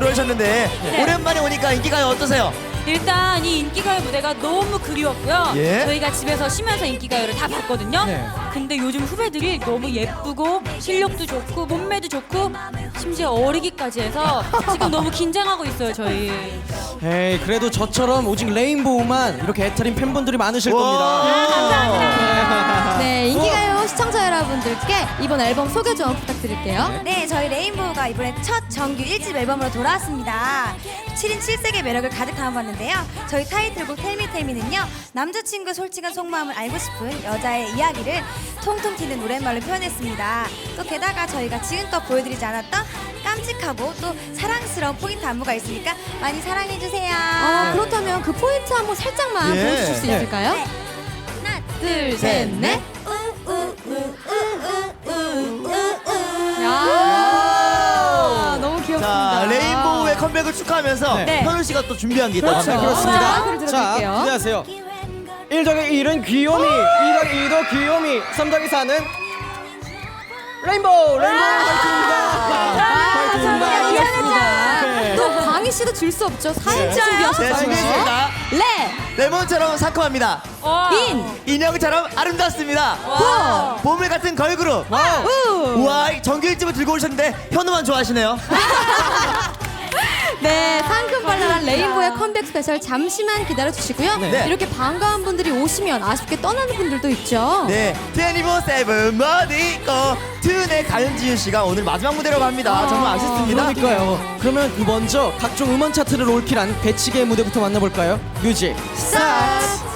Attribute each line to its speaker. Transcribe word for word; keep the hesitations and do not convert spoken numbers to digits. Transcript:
Speaker 1: 그러셨는데
Speaker 2: 네.
Speaker 1: 오랜만에 오니까 인기가요 어떠세요?
Speaker 2: 일단 이 인기가요 무대가 너무 그리웠고요.
Speaker 1: 예.
Speaker 2: 저희가 집에서 쉬면서 인기가요를 다 봤거든요.
Speaker 3: 네.
Speaker 2: 근데 요즘 후배들이 너무 예쁘고 실력도 좋고 몸매도 좋고 심지어 어리기까지 해서 지금 너무 긴장하고 있어요 저희.
Speaker 3: 에이, 그래도 저처럼 오직 레인보우만 이렇게 애타린 팬분들이 많으실 겁니다.
Speaker 4: 네, 인기가요 시청자 여러분들께 이번 앨범 소개 좀 부탁드릴게요.
Speaker 5: 네, 저희 레인보우가 이번에 첫 정규 일 집 앨범으로 돌아왔습니다. 칠 인 칠 색의 매력을 가득 담아봤는데요. 저희 타이틀곡 텔미텔미는요, 남자친구의 솔직한 속마음을 알고 싶은 여자의 이야기를 통통 튀는 노랫말로 표현했습니다. 또 게다가 저희가 지금껏 보여드리지 않았던 깜찍하고 또 사랑스러운 포인트 안무가 있으니까 많이 사랑해주세요.
Speaker 4: 어, 그렇다면 그 포인트 한번 살짝만
Speaker 1: 예.
Speaker 4: 보여주실 수
Speaker 3: 네.
Speaker 4: 있을까요?
Speaker 5: 네. 하나,
Speaker 4: 둘, 셋, 넷. 야, 너무 귀엽습니다.
Speaker 1: 자, 레인보우의 컴백을 축하하면서
Speaker 3: 네.
Speaker 1: 현우 씨가 또 준비한 게 있다고
Speaker 3: 네,
Speaker 1: 합니다.
Speaker 3: 그렇습니다.
Speaker 4: 자, 그럼
Speaker 3: 자,
Speaker 4: 들어볼게요.
Speaker 3: 기대하세요. 일 더하기 일은 귀요미, 이 더하기 이도 귀요미, 삼 더하기 사는 레인보우! 레인보우 파이팅입니다! 파이팅입니다!
Speaker 4: 귀엽습니다. 또 광희 씨도 줄 수 없죠. 사인
Speaker 1: 네,
Speaker 4: 준비하셨어요.
Speaker 1: 준비했습니다.
Speaker 4: 레,
Speaker 1: 레몬처럼 상큼합니다.
Speaker 2: 와.
Speaker 4: 인,
Speaker 1: 인형처럼 아름답습니다.
Speaker 2: 와.
Speaker 1: 보물 같은 걸그룹.
Speaker 4: 우.
Speaker 1: 우와, 정규 일 집을 들고 오셨는데 현우만 좋아하시네요.
Speaker 4: 네, 상큼발랄한 레인보우의 컴백 스페셜 잠시만 기다려주시고요.
Speaker 1: 네.
Speaker 4: 이렇게 반가운 분들이 오시면 아쉽게 떠나는 분들도 있죠.
Speaker 1: 네, 이십사 세븐 머디 있고 툰의 가윤지윤 씨가 오늘 마지막 무대로 갑니다. 정말 아쉽습니다.
Speaker 3: 그러니까요. 그러면 먼저 각종 음원 차트를 올킬한 배치기의 무대부터 만나볼까요? 뮤직 스타트!